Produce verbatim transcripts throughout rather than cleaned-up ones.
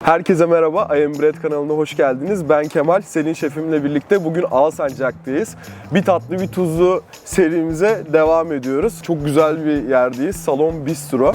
Herkese merhaba, I Am Bread kanalına hoş geldiniz. Ben Kemal, Selin şefimle birlikte bugün Alsancak'tayız. Bir tatlı bir tuzlu serimize devam ediyoruz. Çok güzel bir yerdeyiz, Salon Bistro.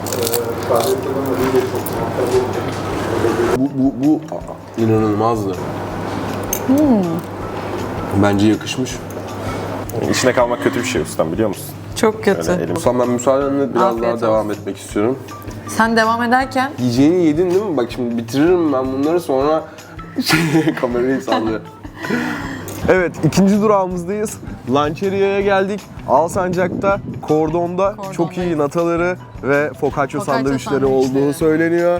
Bu, bu, bu inanılmazdı. Hmm. Bence yakışmış. İşine kalmak kötü bir şey ustam, biliyor musun? Çok kötü. Ustam, ben müsaadenle biraz Afiyet daha olsun. devam etmek istiyorum. Sen devam ederken Yiyeceğini yedin değil mi? Bak şimdi bitiririm ben bunları, sonra kamerayı sallıyor. Evet, ikinci durağımızdayız. Lançeria'ya geldik. Alsancak'ta, Kordon'da Kordon'dayız. çok iyi nataları ve focaccia Focaccia sandviçleri sandviçleri. olduğu söyleniyor.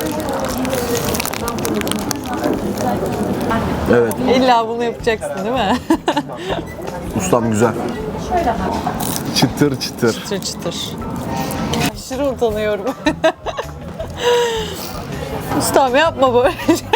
Evet, illa bunu yapacaksın değil mi? ustam güzel. Çıtır çıtır. çıtır çıtır. Aşırı utanıyorum. Ustam yapma böyle.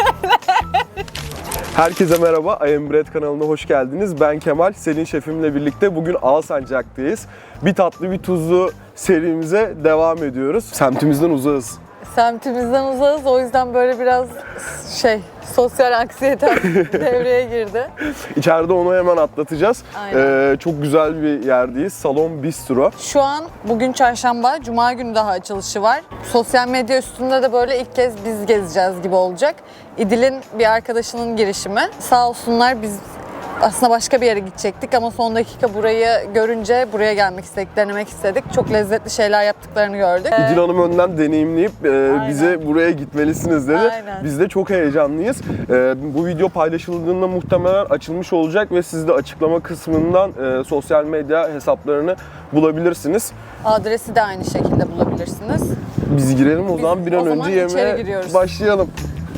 Herkese merhaba, I Am Bread kanalına hoş geldiniz. Ben Kemal, Selin şefimle birlikte bugün Alsancak'tayız. Bir tatlı bir tuzlu serimize devam ediyoruz. Semtimizden uzağız. Semtimizden uzağız, o yüzden böyle biraz şey, sosyal anksiyete devreye girdi. İçeride onu hemen atlatacağız. Aynen. Ee, çok güzel bir yerdeyiz. Salon Bistro. Şu an bugün çarşamba, cuma günü daha açılışı var. Sosyal medya üstünde de böyle ilk kez biz gezeceğiz gibi olacak. İdil'in bir arkadaşının girişimi. Sağ olsunlar, biz aslında başka bir yere gidecektik ama son dakika burayı görünce buraya gelmek istedik, denemek istedik. Çok lezzetli şeyler yaptıklarını gördük. İdil Hanım önden deneyimleyip e, Aynen. bize buraya gitmelisiniz dedi. Aynen. Biz de çok heyecanlıyız. E, bu video paylaşıldığında muhtemelen açılmış olacak ve siz de açıklama kısmından e, sosyal medya hesaplarını bulabilirsiniz. Adresi de aynı şekilde bulabilirsiniz. Biz girelim o Biz zaman bir an o zaman önce içeri yemeğe giriyoruz. başlayalım.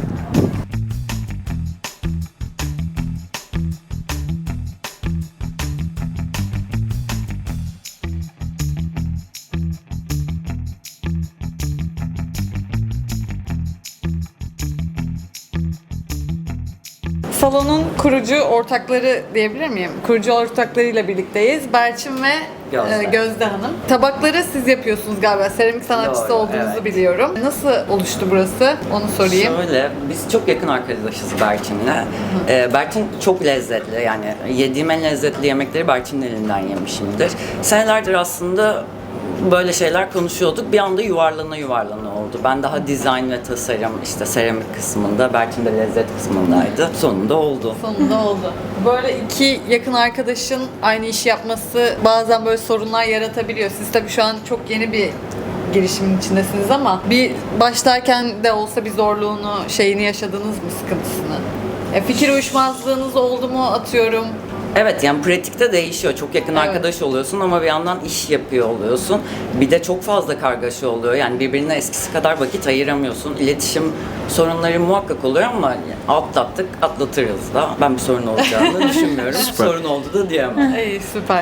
Salonun kurucu ortakları diyebilir miyim? Kurucu ortaklarıyla birlikteyiz. Berçin ve Gözde. e, Gözde Hanım. Tabakları siz yapıyorsunuz galiba. Seramik sanatçısı Doğru, olduğunuzu evet. biliyorum. Nasıl oluştu burası? Onu sorayım. Şöyle, biz çok yakın arkadaşız Berçin'le. Ee, Berçin çok lezzetli, yani yediğim en lezzetli yemekleri Berçin'in elinden yemişimdir. Senelerdir aslında böyle şeyler konuşuyorduk. Bir anda yuvarlana yuvarlana oldu. Ben daha dizayn ve tasarım, işte seramik kısmında, Berçin de lezzet kısmındaydı. Sonunda oldu. Sonunda oldu. Böyle iki yakın arkadaşın aynı işi yapması bazen böyle sorunlar yaratabiliyor. Siz tabii şu an çok yeni bir girişimin içindesiniz ama bir başlarken de olsa bir zorluğunu, şeyini yaşadınız mı, sıkıntısını? E, fikir uyuşmazlığınız oldu mu, atıyorum? Evet, yani pratikte değişiyor. Çok yakın Evet. arkadaş oluyorsun ama bir yandan iş yapıyor oluyorsun. Bir de çok fazla kargaşa oluyor. Yani birbirine eskisi kadar vakit ayıramıyorsun. İletişim sorunları muhakkak oluyor ama atlattık, atlatırız da. Ben bir sorun olacağını düşünmüyorum. Sorun oldu da diyemem. İyi, süper.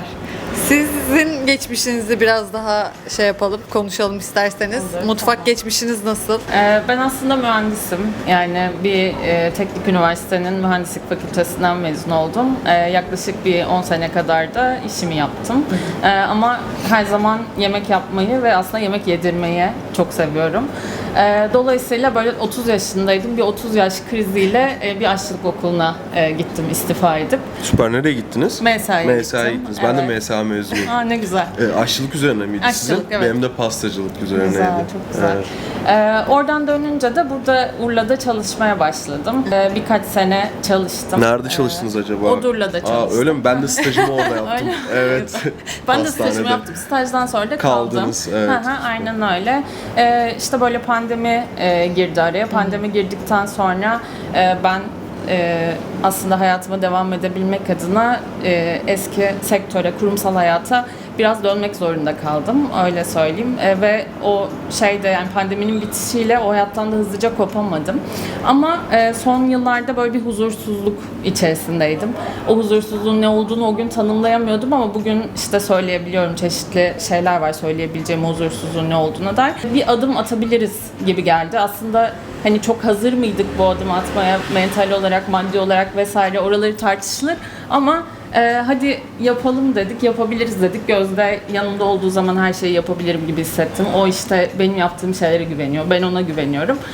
Sizin geçmişinizi biraz daha şey yapalım, konuşalım isterseniz. Mutfak geçmişiniz nasıl? Ee, Ben aslında mühendisim. Yani bir e, teknik üniversitenin mühendislik fakültesinden mezun oldum. Ee, yaklaşık bir on sene kadar da işimi yaptım. Ee, ama her zaman yemek yapmayı ve aslında yemek yedirmeyi çok seviyorum. Ee, dolayısıyla böyle otuz yaşındaydım. Bir otuz yaş kriziyle e, bir aşçılık okuluna e, gittim istifa edip. Süper, nereye gittiniz? M S A'ya M S A'ya gittim. gittiniz. Ben de Evet. M S A mezunuyum. Aa, ne güzel. E, aşçılık üzerine miydi Aşçılık, sizin? evet. Benim de pastacılık üzerineydi. Güzel, çok güzel. Evet. Ee, oradan dönünce de burada Urla'da çalışmaya başladım. Ee, birkaç sene çalıştım. Nerede çalıştınız acaba? Odurla'da Aa, çalıştım. öyle mi? Ben de stajımı orada yaptım. Öyle mi? Evet. Ben de stajımı Hastanede. yaptım. Stajdan sonra da kaldım. Kaldınız, evet. Hı hı, aynen öyle. Ee, işte böyle pandemi e, girdi araya. Pandemi girdikten sonra e, ben e, aslında hayatıma devam edebilmek adına e, eski sektöre, kurumsal hayata biraz dönmek zorunda kaldım, öyle söyleyeyim. E, ve o şeyde, yani pandeminin bitişiyle o hayattan da hızlıca kopamadım. Ama e, son yıllarda böyle bir huzursuzluk içerisindeydim. O huzursuzluğun ne olduğunu o gün tanımlayamıyordum ama bugün işte söyleyebiliyorum, çeşitli şeyler var söyleyebileceğim huzursuzluğun ne olduğuna dair. Bir adım atabiliriz gibi geldi. Aslında hani çok hazır mıydık bu adımı atmaya, mental olarak, maddi olarak vesaire, oraları tartışılır ama Ee, hadi yapalım dedik, yapabiliriz dedik. Gözde yanımda olduğu zaman her şeyi yapabilirim gibi hissettim. O işte benim yaptığım şeylere güveniyor, ben ona güveniyorum.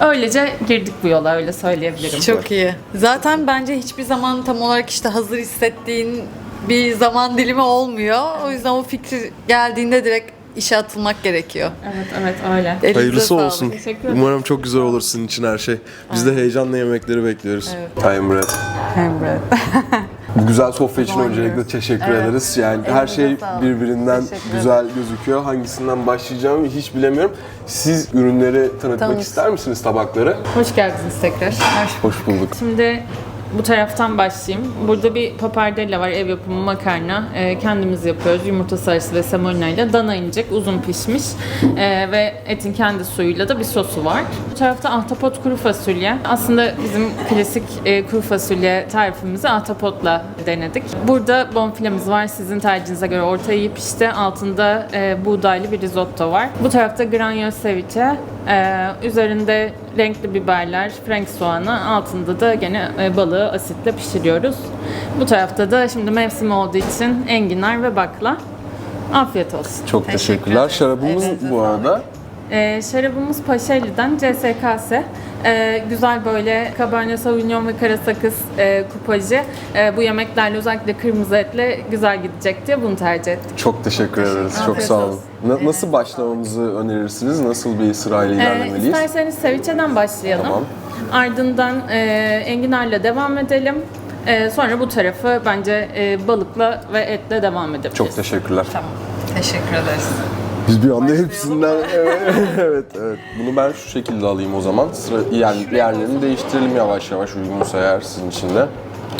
Öylece girdik bu yola, öyle söyleyebilirim. Çok iyi. Zaten bence hiçbir zaman tam olarak işte hazır hissettiğin bir zaman dilimi olmuyor. O yüzden o fikir geldiğinde direkt işe atılmak gerekiyor. Evet, evet öyle. Elinize Hayırlısı sağlık. olsun. Teşekkür ederim. Umarım çok güzel olur sizin için her şey. Biz de heyecanla yemekleri bekliyoruz. Time bread. Emre. Bu güzel sofra için Zaman öncelikle giriyoruz. teşekkür Evet. ederiz. Yani her Elinize şey sağlık. birbirinden Teşekkür güzel gözüküyor. Hangisinden başlayacağımı hiç bilemiyorum. Siz ürünleri tanıtmak Tanıt. ister misiniz, tabakları? Hoş geldiniz tekrar. Hoş bulduk. Şimdi bu taraftan başlayayım. Burada bir pappardella var, ev yapımı makarna. Ee, kendimiz yapıyoruz. Yumurta sarısı ve semolina ile dana incik, uzun pişmiş. Ee, ve etin kendi suyuyla da bir sosu var. Bu tarafta ahtapot kuru fasulye. Aslında bizim klasik e, kuru fasulye tarifimizi ahtapotla denedik. Burada bonfilemiz var. Sizin tercihinize göre orta iyi pişti. Altında e, buğdaylı bir risotto var. Bu tarafta granyoz ceviche. Ee, üzerinde renkli biberler, frank soğanı, altında da gene e, balığı asitle pişiriyoruz. Bu tarafta da şimdi mevsim olduğu için enginar ve bakla. Afiyet olsun. Çok teşekkürler. Şarabımız Elinize bu arada. Ee, şarabımız Paşeli'den C S K S. Ee, güzel böyle Cabernet Sauvignon ve kara sakız e, kupajı. E, bu yemeklerle özellikle kırmızı etle güzel gidecek diye bunu tercih ettik. Çok teşekkür ederiz. Çok Afiyet sağ olun. olsun. Na- nasıl başlamamızı önerirsiniz? Nasıl bir sırayla Ee, ilerlemeliyiz? isterseniz ceviche'den başlayalım. Tamam. Ardından e, enginarla devam edelim. E, sonra bu tarafı bence e, balıkla ve etle devam edebiliriz. Çok teşekkürler. Tamam. Teşekkür ederiz. Biz bir anda hepsinden evet evet. Bunu ben şu şekilde alayım o zaman. Sıra yani yerlerini değiştirelim yavaş yavaş, uygunsa eğer sizin için de.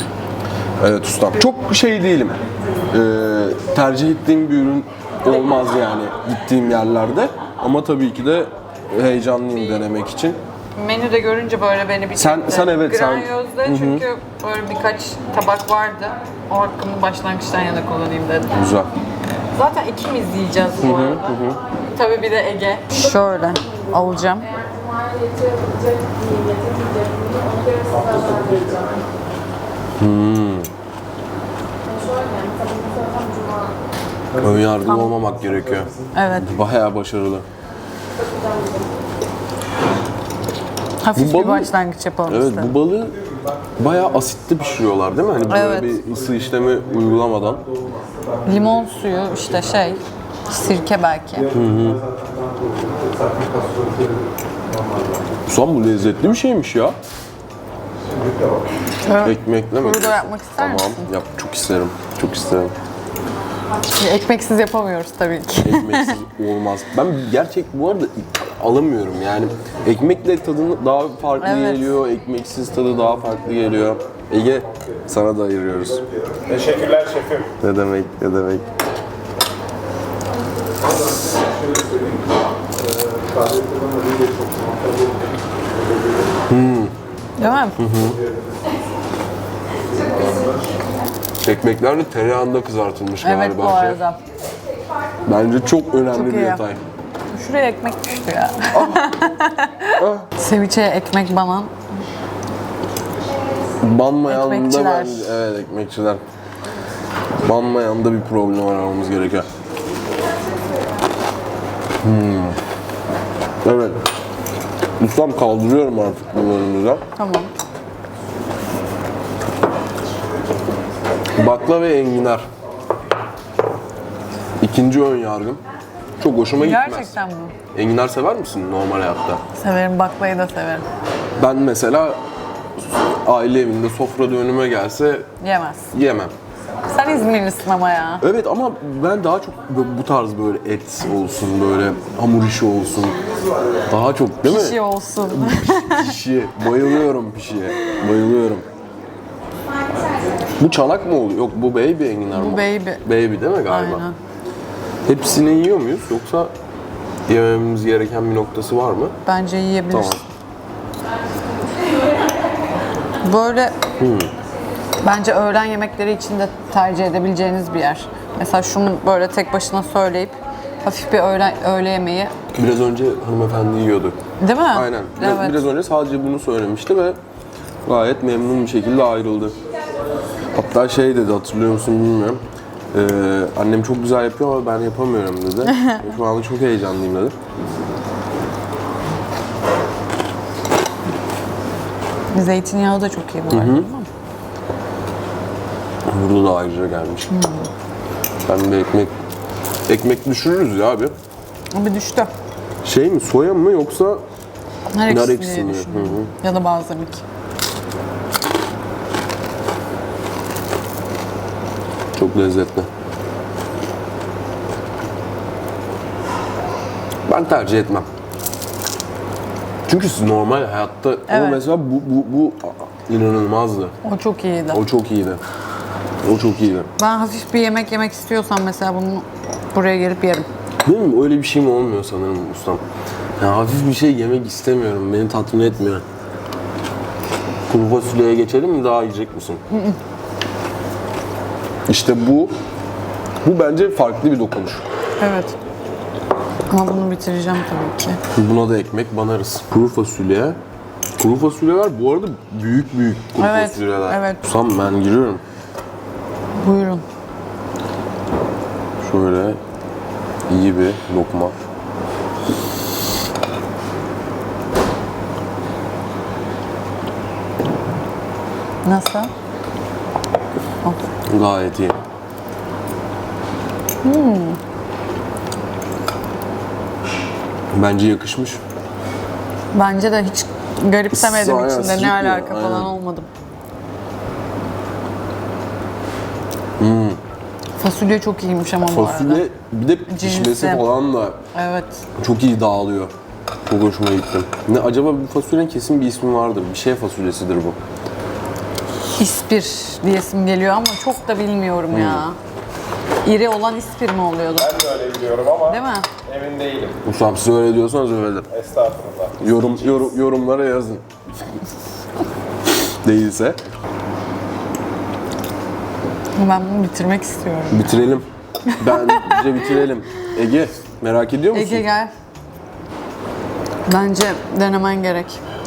Evet ustam. Çok şey değilim. Ee, tercih ettiğim bir ürün olmaz yani gittiğim yerlerde. Ama tabii ki de heyecanlıyım denemek için. Menüde görünce böyle beni bir Sen- çekti. sen evet, sen- Granyoz'da çünkü böyle birkaç tabak vardı. O hakkımı başlangıçtan yana kullanayım dedim. Güzel. Zaten ikimiz yiyeceğiz bu arada. Tabii bir de Ege. Şöyle alacağım. Ön yargılı olmamak gerekiyor. Evet. Bayağı başarılı. Hafif Bu bir balığı- başlangıç yapalım Evet, istedim. bu balığı bayağı asitli pişiriyorlar değil mi? Hani böyle Evet. bir ısı işlemi uygulamadan. Limon suyu işte şey, sirke belki. Ustam bu lezzetli bir şeymiş ya. Evet. Ekmekle mi? Kuru da yapmak ister Tamam, misin? yap. Çok isterim. Çok isterim. Ekmeksiz yapamıyoruz tabii ki. Ekmeksiz olmaz. Ben gerçek bu arada alamıyorum yani. Ekmekle tadını daha farklı Evet. geliyor, ekmeksiz tadı daha farklı geliyor. Ege, sana da ayırıyoruz. Teşekkürler şefim. Ne demek, ne demek. Değil mi? Ekmekler de tereyağında kızartılmış Evet galiba. bu arada. Bence çok önemli Çok bir iyi. detay. Şuraya ekmek düştü ya. Seviçeye ekmek banan. Banmayan da Ekmekçiler. bence, evet ekmekçiler. Banmayan da bir problem aramamız gerekiyor. Hmm. Evet. Ustam kaldırıyorum artık bu bölümümüzden. Tamam. Bakla ve enginar. İkinci ön yargım. Çok hoşuma gitmez. Gerçekten mi? Enginar sever misin normal hayatta? Severim, baklayı da severim. Ben mesela aile evinde sofrada önüme gelse Yemez. yemem. Sen İzmirlisin ama ya. Evet ama ben daha çok bu- bu tarz böyle et olsun, böyle hamur işi olsun. Daha çok değil mi? Pişi olsun. Pişi. Bayılıyorum pişiye. Bayılıyorum. Bu çanak mı oluyor? Yok bu baby enginar mı? Bu baby. Baby değil mi galiba? Aynen. Hepsini yiyor muyuz yoksa yememiz gereken bir noktası var mı? Bence yiyebilirsin. Tamam. Böyle bence öğlen yemekleri için de tercih edebileceğiniz bir yer. Mesela şunu böyle tek başına söyleyip hafif bir öğle, öğle yemeği. Biraz önce hanımefendi yiyordu. Değil mi? Aynen. Biraz, Evet. biraz önce sadece bunu söylemişti ve gayet memnun bir şekilde ayrıldı. Hatta şey dedi, hatırlıyor musun bilmiyorum. Ee, annem çok güzel yapıyor ama ben yapamıyorum dedi. Şu anda çok heyecanlıyım dedi. Zeytinyağı da çok iyi bu arada. Değil mi? Burada da ayrıca gelmiş. Ben bir ekmek ekmek düşürürüz ya abi. Bir düştü. Şey mi, soya mı yoksa Nar ekşisi nar diye ekşisi mi? düşündüm. Hı hı. Ya da balzamik. Çok lezzetli. Ben tercih etmem. Çünkü siz normal hayatta ama Evet. mesela bu bu bu inanılmazdı. O çok iyiydi. O çok iyiydi. O çok iyiydi. Ben hafif bir yemek yemek istiyorsam mesela bunu buraya gelip yerim. Değil mi? Öyle bir şey mi olmuyor sanırım ustam? Ya hafif bir şey yemek istemiyorum. Beni tatmin etmiyor. Kuru fasulyeye geçelim mi? Daha yiyecek misin? İşte bu bu bence farklı bir dokunuş. Evet. Ama bunu bitireceğim tabii ki. Buna da ekmek banarız. Kuru fasulye. Kuru fasulyeler bu arada büyük büyük kuru Evet, fasulyeler. evet. Ustam ben giriyorum. Buyurun. Şöyle iyi bir lokma. Nasıl? Gayet iyi. Bence yakışmış. Bence de hiç garipsemedim Aynen, içinde. sıcak Ne ya, alaka falan aynen. olmadım. Fasulye çok iyiymiş ama bu arada. Fasulye bir de pişmesi Cinsi. falan da Evet. çok iyi dağılıyor. Çok hoşuma gitti. Ne acaba bu fasulyenin kesin bir ismi vardır. Bir şey fasulyesidir bu. İspir diyesim geliyor ama çok da bilmiyorum ya. İri olan ispir mi oluyordu? Ben de öyle biliyorum ama Değil mi? emin değilim. Ustam siz öyle diyorsanız öyle. Estağfurullah. Yorum, yorum yorumlara yazın. Değilse Ben bunu bitirmek istiyorum. bitirelim. Bence bitirelim. Ege merak ediyor musun? Ege gel. Bence denemen gerek.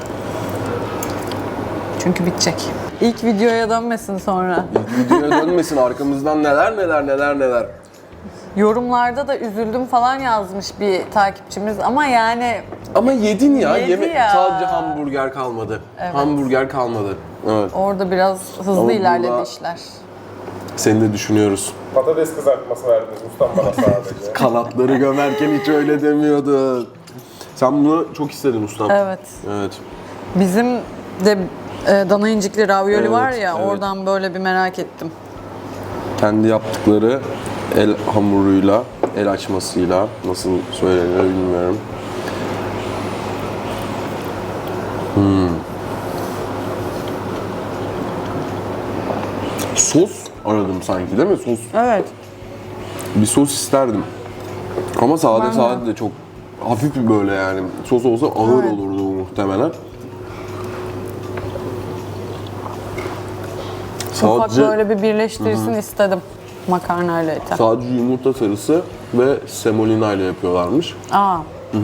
Çünkü bitecek. İlk videoya dönmesin sonra. Videoya dönmesin arkamızdan neler neler neler neler. Yorumlarda da üzüldüm falan yazmış bir takipçimiz ama yani Ama yedin ya. Yedi yeme- ya. Sadece hamburger kalmadı. Hamburger kalmadı. Evet. orada biraz hızlı Ama ilerledi burada- işler. Seni de düşünüyoruz. Patates kızartması verdiniz ustam bana sadece. Kanatları gömerken hiç öyle demiyordun. Sen bunu çok istedin ustam. Evet. Evet. Bizim de e, dana incikli ravioli Evet, var ya evet. oradan böyle bir merak ettim. Kendi yaptıkları el hamuruyla, el açmasıyla nasıl söylenir bilmiyorum. Hmm. Sos aradım sanki değil mi? Sos. Evet. Bir sos isterdim. Ama sade Ben de. sade de çok hafif bir böyle yani. Sos olsa ağır Evet. olurdu bu muhtemelen. Ufak Sadece, böyle bir birleştirsin istedim makarnayla eti. sadece yumurta sarısı ve semolina ile yapıyorlarmış. Aa,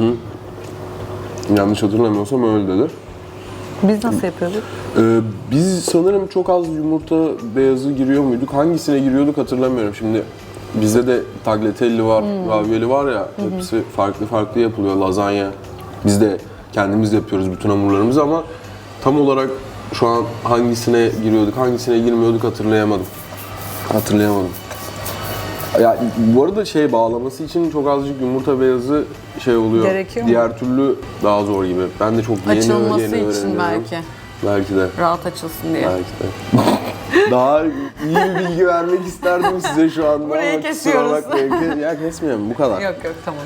Yanlış hatırlamıyorsam öyle dedi. biz nasıl yapıyorduk? Ee, biz sanırım çok az yumurta beyazı giriyor muyduk? Hangisine giriyorduk hatırlamıyorum. Şimdi bizde de tagliatelle var, ravioli var ya. Hepsi farklı farklı yapılıyor. Lazanya. Biz de kendimiz yapıyoruz bütün hamurlarımızı ama tam olarak şu an hangisine giriyorduk, hangisine girmiyorduk hatırlayamadım. Hatırlayamadım. Ya bu arada şey bağlaması için çok azıcık yumurta beyazı şey oluyor. Gerekiyor mu? Diğer türlü daha zor gibi. Ben de çok yeni Açılması yeni için öğreniyorum. belki. Belki de. Rahat açılsın diye. Belki de. Daha iyi bir bilgi vermek isterdim size şu anda. Burayı ama kusura kesiyoruz. bakmayın. Ya kesmiyorum bu kadar. Yok yok tamam.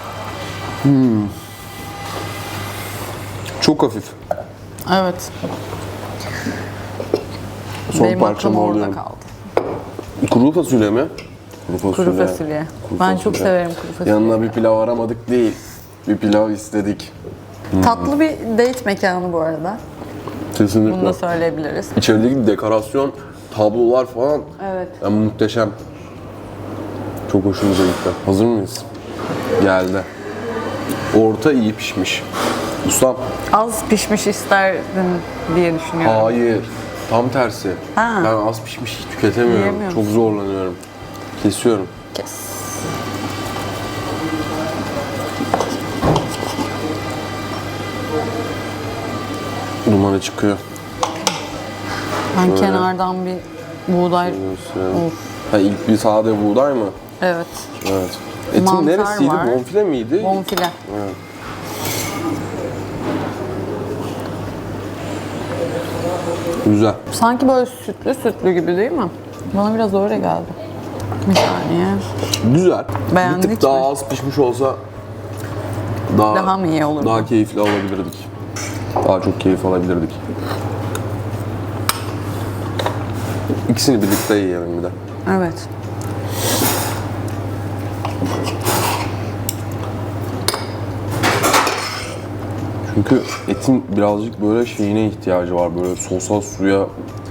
Çok hafif. Evet. Son Benim parçamı aklım orada alıyorum. kaldı. Kuru fasulye mi? Kuru fasulye. Kuru fasulye. Kuru Ben çok fasulye. severim kuru fasulye. Yanına bir pilav aramadık değil. Bir pilav istedik. Tatlı bir date mekanı bu arada. Kesinlikle. Bunu da söyleyebiliriz. İçerideki dekorasyon, tablolar falan Evet. yani muhteşem. Çok hoşumuza gitti. Hazır mıyız? Geldi. Orta iyi pişmiş. Ustam, Az pişmiş isterdin diye düşünüyorum. hayır. Tam tersi. Ha. Ben az pişmiş hiç tüketemiyorum. Yiyemiyor Çok musun? zorlanıyorum. Kesiyorum. Kes. Dumanı çıkıyor. Ben Şöyle. kenardan bir buğday... Gösterelim. Of. Ha, ilk bir sade buğday mı? Evet. Evet. Etin Mantar neresiydi? var. Bonfile miydi? Bonfile. Evet. Güzel. Sanki böyle sütlü sütlü gibi değil mi? Bana biraz öyle geldi. Bir saniye. Güzel. Beğendik bir tık daha mi? az pişmiş olsa daha, Daha mı iyi olurdu? Daha keyifli alabilirdik. Daha çok keyif alabilirdik. İkisini birlikte yiyelim bir de. Evet. Çünkü etin birazcık böyle şeyine ihtiyacı var. Böyle sosa, suya.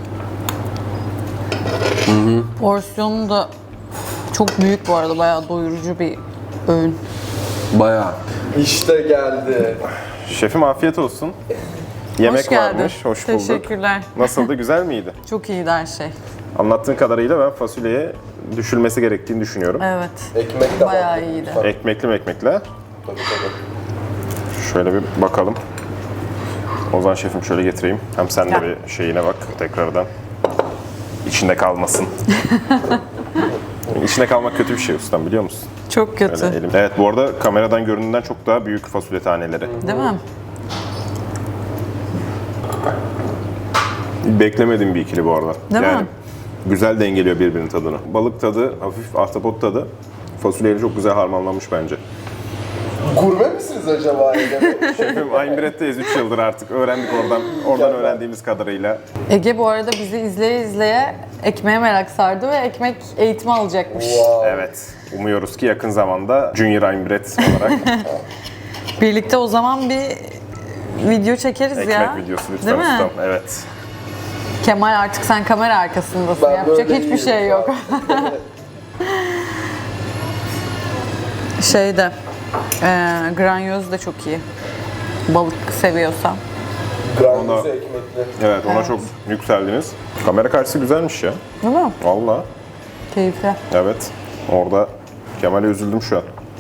Porsiyonu da çok büyük bu arada. Bayağı doyurucu bir öğün. Bayağı. İşte geldi. Şefim afiyet olsun. Yemek Hoş geldin. varmış, hoş bulduk. Teşekkürler. Nasıldı, güzel miydi? Çok iyiydi her şey. Anlattığın kadarıyla ben fasulyeye düşülmesi gerektiğini düşünüyorum. Evet. Ekmek de Bayağı var. iyiydi. Ekmekli mekmekle. Tabii, tabii. Şöyle bir bakalım. Ozan şefim şöyle getireyim. Hem sen de Gel. bir şeyine bak tekrardan. İçinde kalmasın. İçinde kalmak kötü bir şey ustam, biliyor musun? Çok kötü. Öyle elim. Evet, bu arada kameradan göründüğünden çok daha büyük fasulye taneleri. Değil mi? Beklemediğim bir ikili bu arada. Değil yani mi? güzel dengeliyor birbirinin tadını. Balık tadı, hafif ahtapot tadı fasulyeyle çok güzel harmanlanmış bence. Gurme misiniz acaba Ege? Şefim Aynbret'teyiz üç yıldır artık. Öğrendik oradan oradan öğrendiğimiz kadarıyla. Ege bu arada bizi izleye izleye ekmeğe merak sardı ve ekmek eğitimi alacakmış. Wow. Evet. Umuyoruz ki yakın zamanda Junior Aynbret olarak Birlikte o zaman bir video çekeriz ekmek ya. videosu Değil lütfen mi? ustam. Evet. Kemal artık sen kamera arkasındasın. Ben Yapacak böyle hiçbir iyiyim şey şu yok. Şeyde, e, granyoz da çok iyi. Balık seviyorsan. Grandize Ona- ekmekli. Evet, ona çok yükseldiniz. Kamera karşısı güzelmiş ya. Değil mi? Vallahi. Keyifli. Evet. Orada Kemal'e üzüldüm şu an.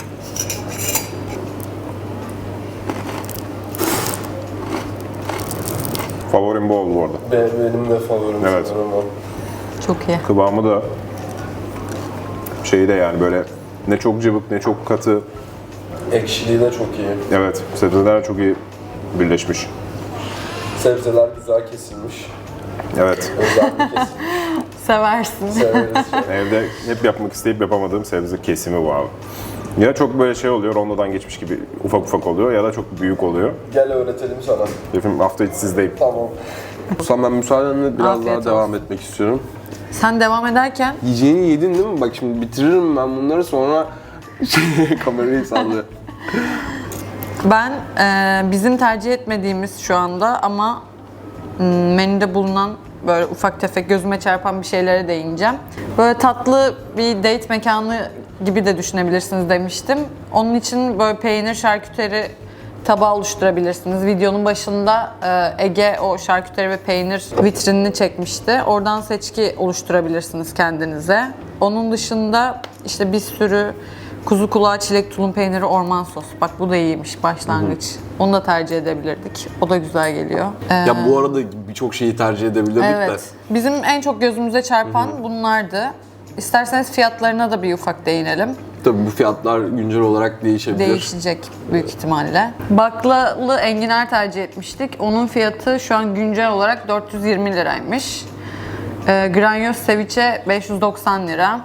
Favorim bu oldu bu arada. Be- Benim de favorim Evet. sanırım o. Çok iyi. Kıvamı da şeyi de yani böyle ne çok cıvık ne çok katı. Ekşiliği de çok iyi. Evet, sebzeler çok iyi birleşmiş. Sebzeler güzel kesilmiş. Evet. Özenli kesilmiş. Seversin. Severiz. Evde hep yapmak isteyip yapamadığım sebze kesimi bu abi. Ya çok böyle şey oluyor, rondodan geçmiş gibi ufak ufak oluyor ya da çok büyük oluyor. Gel öğretelim sana. Şefim hafta içi sizdeyim. Tamam. Ustam ben müsaadenle biraz Afiyet daha olsun. devam etmek istiyorum. Sen devam ederken Yiyeceğini yedin değil mi? Bak şimdi bitiririm ben bunları sonra şey, kamerayı sallıyor. ben e, bizim tercih etmediğimiz şu anda ama m, menüde bulunan böyle ufak tefek gözüme çarpan bir şeylere değineceğim. Böyle tatlı bir date mekanı gibi de düşünebilirsiniz demiştim. Onun için böyle peynir şarküteri tabağı oluşturabilirsiniz. Videonun başında e, Ege o şarküteri ve peynir vitrinini çekmişti. Oradan seçki oluşturabilirsiniz kendinize. Onun dışında işte bir sürü kuzu kulağı, çilek, tulum peyniri, orman sos. Bak bu da iyiymiş başlangıç. Onu da tercih edebilirdik. O da güzel geliyor. Ee, Ya bu arada birçok şeyi tercih edebilirdik de. evet. Bizim en çok gözümüze çarpan bunlardı. İsterseniz fiyatlarına da bir ufak değinelim. Tabii bu fiyatlar güncel olarak değişebilir. Değişecek büyük ihtimalle. Baklalı enginar tercih etmiştik. Onun fiyatı şu an güncel olarak dört yüz yirmi liraymış. Ee, granyoz ceviche beş yüz doksan lira.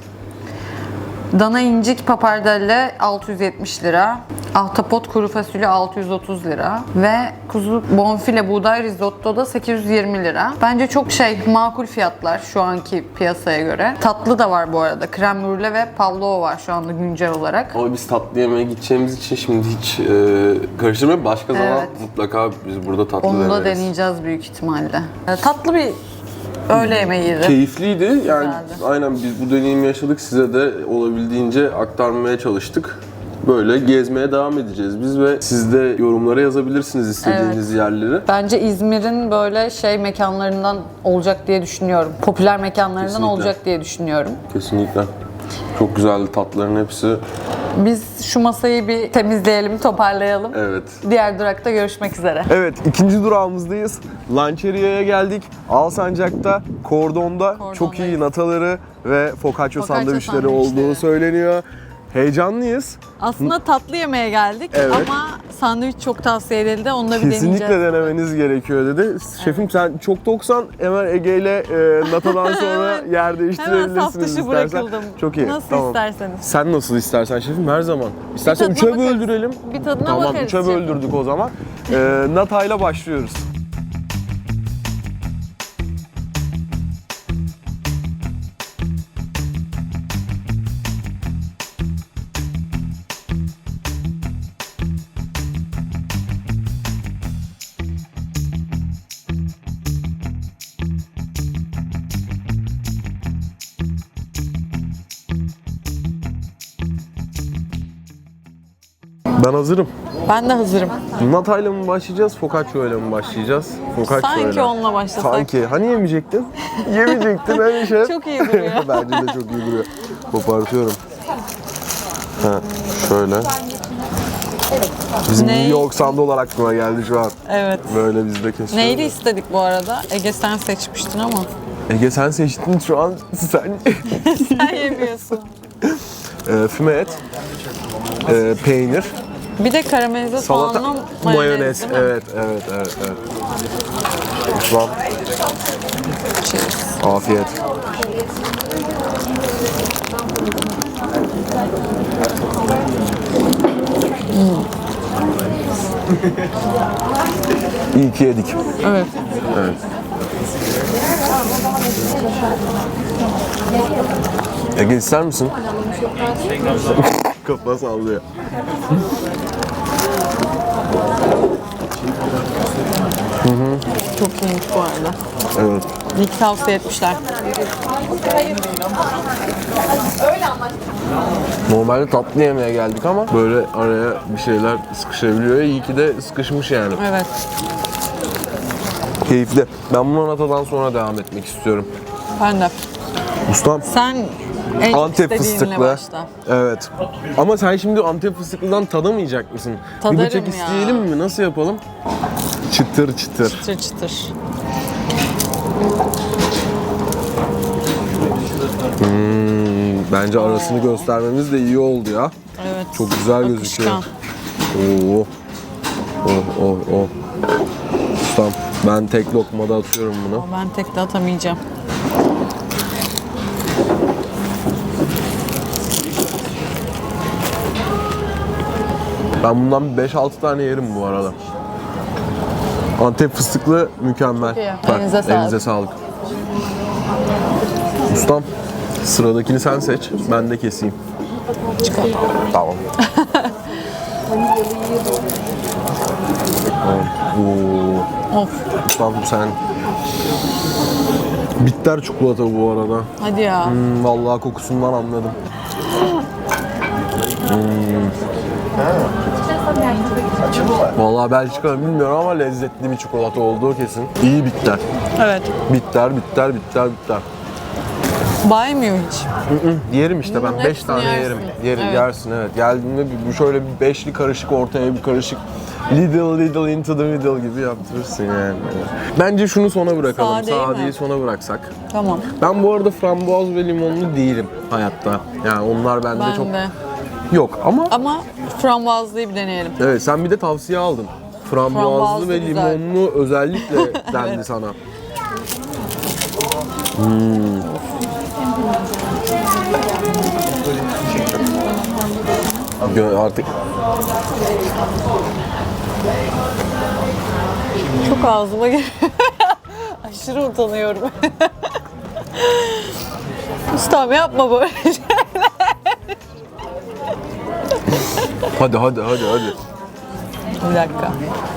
Dana incik papardelle altı yüz yetmiş lira. Ahtapot kuru fasulye altı yüz otuz lira. Ve kuzu bonfile buğday risotto da sekiz yüz yirmi lira. Bence çok şey makul fiyatlar şu anki piyasaya göre. Tatlı da var bu arada. Krem brûle ve pavlova var şu anda güncel olarak. Ama biz tatlı yemeğe gideceğimiz için şimdi hiç e, karıştırmayıp başka zaman Evet. mutlaka biz burada tatlı Onu da deneriz. deneyeceğiz büyük ihtimalle. Ee, Tatlı bir öğle yemeğiydi. Keyifliydi. Yani Güzeldi. aynen biz bu deneyimi yaşadık. Size de olabildiğince aktarmaya çalıştık. Böyle gezmeye devam edeceğiz biz ve siz de yorumlara yazabilirsiniz istediğiniz yerleri. Bence İzmir'in böyle şey mekanlarından olacak diye düşünüyorum. Popüler mekanlarından Kesinlikle. olacak diye düşünüyorum. Kesinlikle. Çok güzeldi tatların hepsi. Biz şu masayı bir temizleyelim, toparlayalım. Evet. Diğer durakta görüşmek üzere. Evet, ikinci durağımızdayız. Lançeria'ya geldik. Alsancak'ta, Kordon'da Kordondayız. çok iyi nataları ve focaccia Focaccia sandviçleri sandviçleri. olduğu söyleniyor. Heyecanlıyız. Aslında tatlı yemeğe geldik Evet. ama sandviç çok tavsiye edildi. Onu da bir Kesinlikle deneyeceğiz. denemeniz gerekiyor dedi. Şefim sen çok toksan hemen Ege ile e, natadan sonra yer Hemen değiştirebilirsiniz saf dışı istersen. bırakıldım. Çok iyi. Nasıl tamam. isterseniz. Sen nasıl istersen şefim her zaman. İstersen tadına üçe bakarız. böldürelim. Bir tadına tamam, bakarız üçe şefim. böldürdük o zaman. E, natayla başlıyoruz. Ben hazırım. Ben de hazırım. Natayla mı başlayacağız, focaccia ile mi başlayacağız? Focaccia Sanki ile. onunla başlasak. Sanki. Hani yemeyecektin? Yemeyecektin hani şef. Çok iyi duruyor. Bence de çok iyi duruyor. Kopartıyorum. Ha, şöyle. Bizim Ne? New York sandılar aklıma geldi şu an. Evet. Böyle biz de kesiyoruz. Neyli istedik bu arada? Ege sen seçmiştin ama. Ege sen seçtin şu an sen. Sen yemiyorsun. e, füme et. E, peynir. Bir de karamelize Salata. soğanlı Mayonez. mayonez, değil mi? Evet, evet, evet, evet. Lütfen. Cheers. Afiyet. İyi ki yedik. Evet. Evet. Ege ister misin? Kafa sallıyor. Çok iyiymiş bu arada. Evet. İyi ki tavsiye etmişler. Normalde tatlı yemeğe geldik ama böyle araya bir şeyler sıkışabiliyor. İyi ki de sıkışmış yani. Evet. Keyifli. Ben bunu natadan sonra devam etmek istiyorum. Ben de. Ustam. Sen en çok Antep istediğinle fıstıklı. başla. Evet. Ama sen şimdi Antep fıstıklıdan tadamayacak mısın? Tadarım bir bıçak ya. isteyelim mi? Nasıl yapalım? Çıtır çıtır. Çıtır çıtır. Hmm, bence arasını göstermemiz de iyi oldu ya. Evet. Çok güzel gözüküyor. Akışkan. Oo. Oh oh oh. Ustam ben tek lokmada atıyorum bunu. Ama ben tek de atamayacağım. Ben bundan beş altı tane yerim bu arada. Antep fıstıklı mükemmel. Çok iyi. Bak, Elinize sağlık. elinize sağlık. Ustam sıradakini sen seç. Ben de keseyim. Çikolata. Tamam. Oo. Of. Ustam sen. Bitter çikolata bu arada. Hadi ya. Hmm, vallahi kokusundan anladım. Hmm. Vallahi Belçika bilmiyorum ama lezzetli bir çikolata olduğu kesin. İyi bitter. Evet. Bitter, bitter, bitter, bitter. Baymıyor hiç. Yerim işte ben Bunun beş hepsini tane yersin. yerim. Yerim, Evet. yersin evet. Geldiğinde bir- bir şöyle bir beşli karışık ortaya bir karışık little little into the middle gibi yaptırırsın yani. Bence şunu sona bırakalım. Sade değil mi? Sadeyi sona bıraksak. Tamam. Ben bu arada frambuaz ve limonlu değilim hayatta. Yani onlar bende Ben çok de. yok ama Ama frambuazlıyı bir deneyelim. evet sen bir de tavsiye aldın. Frambuazlı Frambuazlı ve güzel. limonlu özellikle dendi sana. Hmm. Gö- Artık Çok ağzıma geliyor. Aşırı utanıyorum. Ustam yapma böyle şeyler. hadi hadi hadi hadi. Bir dakika.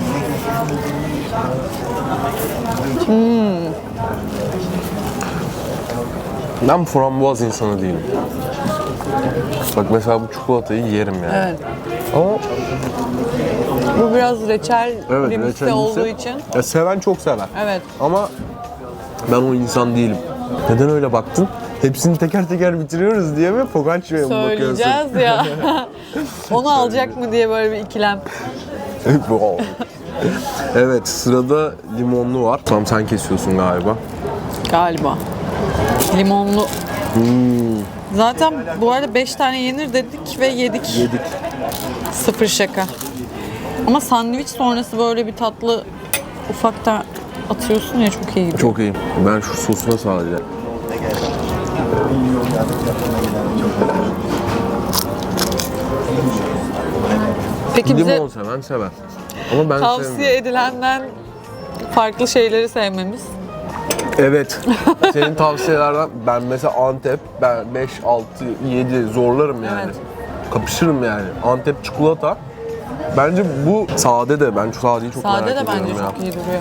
Ben frambuaz insanı değilim. Bak mesela bu çikolatayı yerim yani. Evet. Ama Bu biraz reçel evet limsi reçelisi- olduğu için. Ya seven çok sever. Evet. Ama ben o insan değilim. Neden öyle baktın? Hepsini teker teker bitiriyoruz diye mi Focaccia'ya mı bakıyorsun? Söyleyeceğiz ya. Onu alacak mı diye böyle bir ikilem. Wow. Evet, sırada limonlu var. Tam sen kesiyorsun galiba. Galiba. Limonlu. Zaten bu arada beş tane yenir dedik ve yedik. Yedik. Sıfır şaka. Ama sandviç sonrası böyle bir tatlı ufakta atıyorsun ya, çok iyi gidiyor. Çok iyi. Ben şu sosuna sadece. Peki bize Limon seven sever. Ama ben tavsiye sevmiyorum. edilenden farklı şeyleri sevmemiz. Evet. Senin tavsiyelerden ben mesela Antep, ben beş, altı, yedi zorlarım yani. Evet. Kapışırım yani. Antep çikolata. Bence bu sade de, ben şu sadeyi çok Sade merak de ediyorum bence ya. çok iyi duruyor.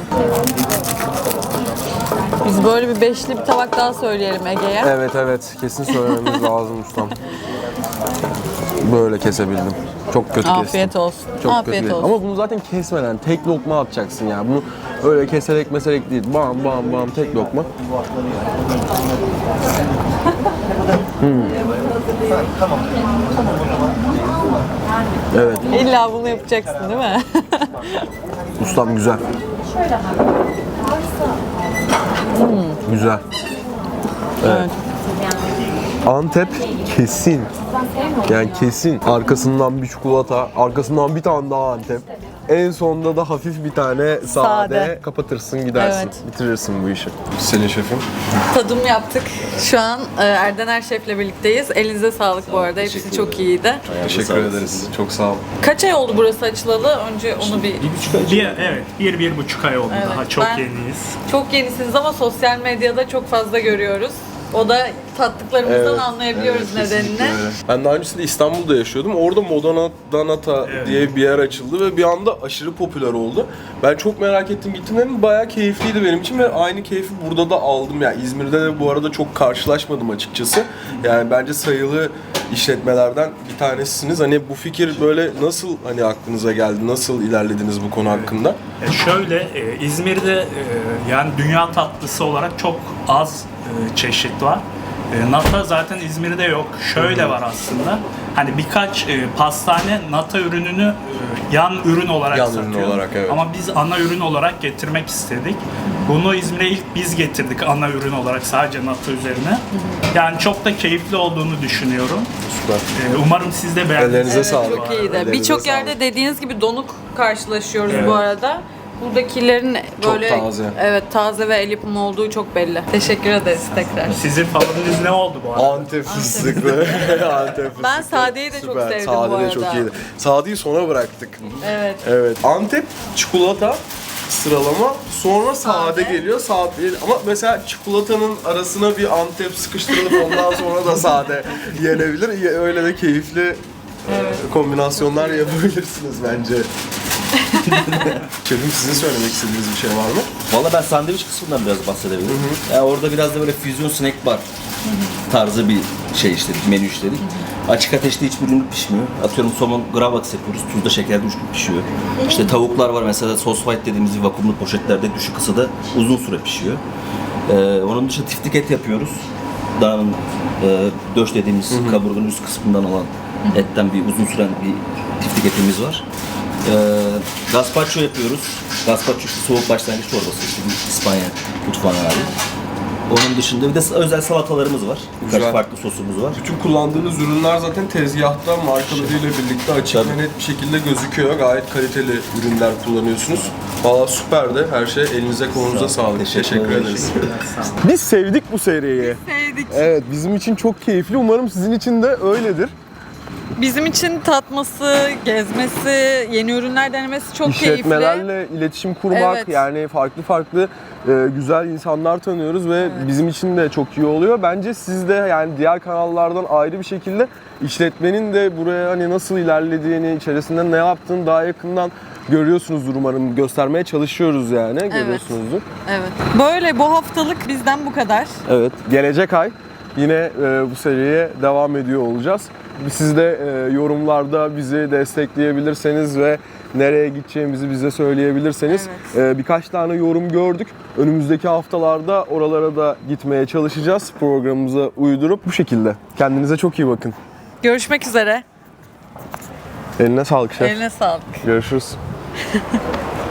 Biz böyle bir beşli bir tabak daha söyleyelim Ege'ye. Evet evet, kesin söylememiz lazım ustam. Böyle kesebildim. Çok kötü kestim. Afiyet olsun. Çok Afiyet kötü. olsun. Ama bunu zaten kesmeden tek lokma atacaksın yani. Bunu öyle keserek meserek değil. Bam bam bam tek lokma. Hmm. Evet, İlla bunu yapacaksın değil mi? ustam güzel. Güzel. Evet. Antep kesin. Yani kesin. Arkasından bir çikolata, arkasından bir tane daha Antep. En sonunda da hafif bir tane sade, Sade. kapatırsın gidersin. Evet. Bitirirsin bu işi. Selin şefim. Tadım yaptık. Şu an e, Erdener Şef'le birlikteyiz. Elinize sağlık bu arada. Hepsi çok iyiydi. Teşekkür ederiz. Çok sağ ol. Kaç ay oldu burası açılalı? Önce onu bir... Bir, evet, bir, bir buçuk ay oldu Evet, daha. Çok ben- yeniyiz. Çok yenisiniz ama sosyal medyada çok fazla görüyoruz. O da tattıklarımızdan anlayabiliyoruz nedenini. Ben daha öncesinde İstanbul'da yaşıyordum. Orada Modana Danata Evet. diye bir yer açıldı ve bir anda aşırı popüler oldu. Ben çok merak ettim, gittim dedim. Bayağı keyifliydi benim için ve aynı keyfi burada da aldım. Yani İzmir'de de bu arada çok karşılaşmadım açıkçası. Yani bence sayılı işletmelerden bir tanesisiniz. Hani bu fikir böyle nasıl hani aklınıza geldi? Nasıl ilerlediniz bu konu hakkında? E, şöyle, e, İzmir'de e, yani dünya tatlısı olarak çok az e, çeşit var. E, nata zaten İzmir'de yok. Şöyle var aslında. Hani birkaç e, pastane nata ürününü e, yan ürün olarak Yan ürün satıyor. olarak, evet. Ama biz ana ürün olarak getirmek istedik. Bunu İzmir'e ilk biz getirdik ana ürün olarak sadece nata üzerine. Yani çok da keyifli olduğunu düşünüyorum. Süper. E, umarım siz de beğendiniz. Ellerinize Evet, sağlık. çok iyiydi. Ellerinize Birçok sağlık. yerde dediğiniz gibi donuk karşılaşıyoruz Evet. bu arada. Buradakilerin Çok böyle taze. evet taze ve el yapımı olduğu çok belli. Teşekkür ederiz tekrar. Sizin favoriniz ne oldu bu arada? Antep fıstıklı. Antep fıstıklı. Ben sadeyi de çok Süper. sevdim Sade bu de arada. çok iyiydi. Sadeyi sona bıraktık. Evet. Evet. Antep çikolata sıralama, sonra sade, Sade. geliyor. Sade ama mesela çikolatanın arasına bir Antep sıkıştırılıp ondan sonra da sade yenebilir. Ya- Öyle de keyifli e, kombinasyonlar yapabilirsiniz bence. Şefim, sizin söylemek istediğiniz bir şey var mı? Valla ben sandviç kısmından biraz bahsedebilirim. Yani orada biraz da böyle füzyon snack bar tarzı bir şey işledik, menü işledik. Açık ateşte hiçbir ürün pişmiyor. Atıyorum somon gravlax yapıyoruz, tuzda şekerde üç gün pişiyor. İşte tavuklar var mesela sos white dediğimiz vakumlu poşetlerde düşük ısıda uzun süre pişiyor. Ee, onun dışında tiftik et yapıyoruz. Dananın e, döş dediğimiz kaburganın üst kısmından olan etten bir uzun süren bir tiftik etimiz var. Ee, gazpacho yapıyoruz. Gazpacho işte soğuk başlangıç çorbası, işte bir İspanya mutfağına ait. Onun dışında bir de özel salatalarımız var. Birkaç Güzel. farklı sosumuz var. Bütün kullandığınız ürünler zaten tezgahta markalarıyla birlikte açık Tabii. ve net bir şekilde gözüküyor. Gayet kaliteli ürünler kullanıyorsunuz. Valla süperdi. Her şey elinize kolunuza sağlık. Teşekkür Teşekkür ederim. ederiz. Biz sevdik bu seriyi. Sevdik. Evet, bizim için çok keyifli. Umarım sizin için de öyledir. Bizim için tatması, gezmesi, yeni ürünler denemesi çok keyifli. İşletmelerle iletişim kurmak, Evet. yani farklı farklı e, güzel insanlar tanıyoruz ve bizim için de çok iyi oluyor. Bence siz de yani diğer kanallardan ayrı bir şekilde işletmenin de buraya hani nasıl ilerlediğini, içerisinde ne yaptığını daha yakından görüyorsunuzdur umarım. Göstermeye çalışıyoruz yani. Görüyorsunuzdur. Evet. Böyle bu haftalık bizden bu kadar. Evet. Gelecek ay yine e, bu seriye devam ediyor olacağız. Siz de e, yorumlarda bizi destekleyebilirseniz ve nereye gideceğimizi bize söyleyebilirseniz. Ee, birkaç tane yorum gördük. Önümüzdeki haftalarda oralara da gitmeye çalışacağız. Programımıza uydurup bu şekilde. Kendinize çok iyi bakın. Görüşmek üzere. Eline sağlık şef. Eline sağlık. Görüşürüz.